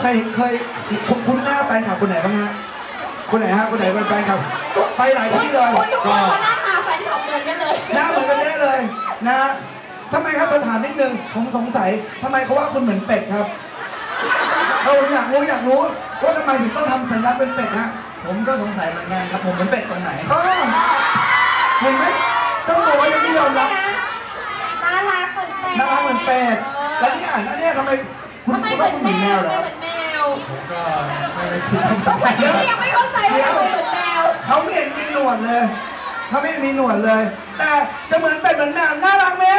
เคยคุ้นหน้าแฟนคลับคนไหนบ้างฮะคนไหนฮะคนไหนเป็นแฟนคลับไปหลายที่เลยก็หน้าตาแฟนคลับเหมือนกันเลยหน้าเหมือนกันได้เลยนะทำไมครับถามนิดนึงผมสงสัยทำไมเขาว่าคุณเหมือนเป็ดครับเราอยากรู้ว่าทำไมถึงต้องทำสัญลักษณ์เป็นเป็ดฮะผมก็สงสัยเหมือนกันครับผมเหมือนเป็ดตรงไหนเห็นไหมเจ้าตัวยังไม่ยอมรับน่ารักเหมือนเป็ดน่ารักเหมือนเป็ดแล้วนี่อ่านอันนี้ทำไมคุณว่าคุณเหมือนแมวเหรอผมก็ไม่ได้คิดยังไม่เข้าใจว่าทำไมเหมือนแมวเขาไม่เห็นมีหนวดเลยเขาไม่มีหนวดเลย แต่จะเหมือนเป็ดเหมือนแมวน่ารักไหม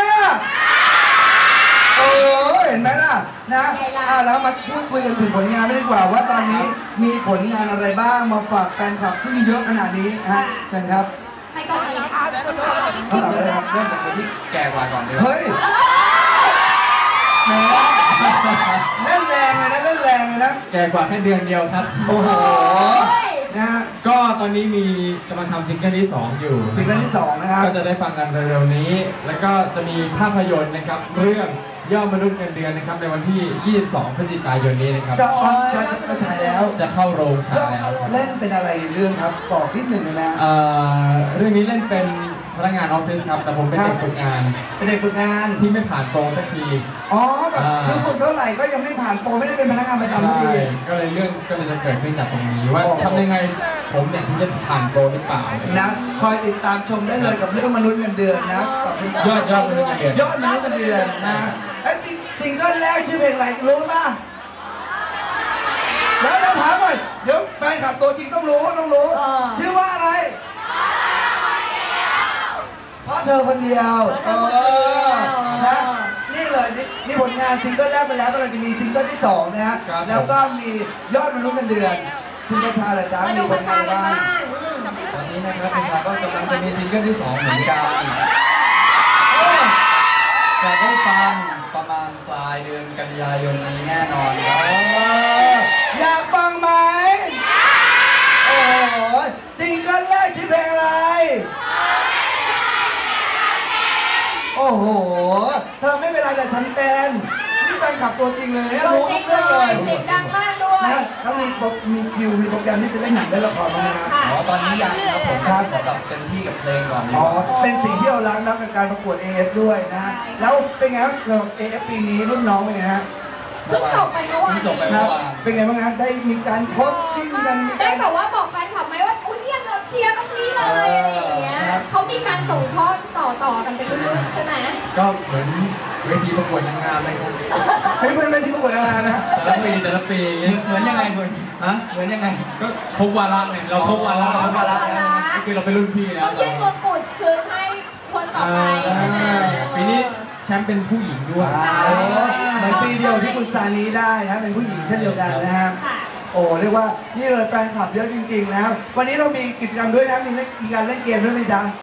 เห็นไหมล่ะนะแล้วมาพูดคุยกันถึงผลงานไม่ดีกว่าว่าตอนนี้มีผลงานอะไรบ้างมาฝากแฟนคลับที่มีเยอะขนาดนี้ฮะเชิญครับให้ก่อนเลยค่ะเขาตอบเลยครับเริ่มจากคนที่แก่กว่าก่อนดีเฮ้ยแหมเล่นแรงเลยนะเล่นแรงเลยนะแก่กว่าแค่เดือนเดียวครับโอ้โหนะฮะก็ตอนนี้มีกำลังทำซิงเกิลที่2อยู่ซิงเกิลที่2นะครับก็จะได้ฟังกันเร็วๆนี้แล้วก็จะมีภาพยนตร์นะครับเรื่องยอดมนุษย์เงินเดือนนะครับในวันที่22 พฤศจิกายนนี้นะครับจะฉายแล้วจะเข้าโรงฉายแล้วเล่นเป็นอะไรเรื่องครับบอกนิดหนึ่งนะเรื่องนี้เล่นเป็นพนักงานออฟฟิศครับแต่ผมเป็นเด็กฝึกงานเป็นเด็กฝึกงานที่ไม่ผ่านโปรสักทีแบบคือคนเท่าไหร่ก็ยังไม่ผ่านโปรไม่ได้เป็นพนักงานประจำทีก็เลยจะเกิดขึ้นจากตรงนี้ว่าทำยังไงผมเนี่ยถึงจะผ่านโปรหรือเปล่านะคอยติดตามชมได้เลยกับเรื่องมนุษย์เงินเดือนนะกับยอดมนุษย์เงินเดือนยอดมนุษย์เงินเดือนนะไอ้ซิงเกิลแรกชื่อเพลงอะไรรู้ป่ะแล้วถามก่อนเดี๋ยวแฟนคลับตัวจริงต้องรู้ชื่อว่าอะไรเพราะเธอคนเดียวนะนี่เลยนี่ผลงานซิงเกิลแรกไปแล้วก็เราจะมีซิงเกิลที่2นะฮะแล้วก็มียอดมนุษย์เงินเดือนคุณประชาละจ้ามีผลงานอะไรบ้างตอนนี้นะครับประชาก็กำลังจะมีซิงเกิลที่2เหมือนกันจะได้ฟังประมาณปลายเดือนกันยายนนี้แน่นอนครับอยากฟังไหมโอ้โหซิงเกิลแรกชื่อเพลงอะไรโอ้โหเธอไม่เป็นไรแต่ฉันเป็นนี่แฟนคลับตัวจริงเลยเนี่ยรู้ทุกเรื่องเลยเสียงดังมากด้วยนะแล้วมีคิวมีโปรแกรมที่จะเล่นหนังได้ละครมาตอนนี้ยังครับผมกับเต็มที่กับเพลงก่อนเป็นสิ่งที่เรารักนะกับการประกวด AF ด้วยนะแล้วเป็นไงครับสำหรับ AF ปีนี้รุ่นน้องเป็นไงฮะเพิ่งจบไปเมื่อวานครับเป็นไงบ้างฮะได้มีการโค้ชชิ่งกันได้แบบว่าบอกแฟนคลับไหมว่าอุ้ยเนี่ยเราเชียร์ตรงนี้เลยอย่างเงี้ยเขามีการส่งทอดต่อกันไปเรื่อยๆใช่ไหมก็เหมือนเวทีประกวดนางงามเลยครับเป็นเวทีประกวดนางงามนะแต่ละปีเหมือนยังไงคุณเหมือนยังไงก็ครบวาระเนี่ยเราครบวาระก็คือเราเป็นรุ่นพี่นะต้องยื่นมงกุฎคืนให้คนต่อไปใช่ไหมปีนี้แชมป์เป็นผู้หญิงด้วยเหมือนปีเดียวที่คุณซานีได้นะเป็นผู้หญิงเช่นเดียวกันนะครับโอ้เรียกว่านี่เลยแฟนคลับเยอะจริงๆนะครับวันนี้เรามีกิจกรรมด้วยนะมีการเล่นเกมด้วยไหมจ๊ะ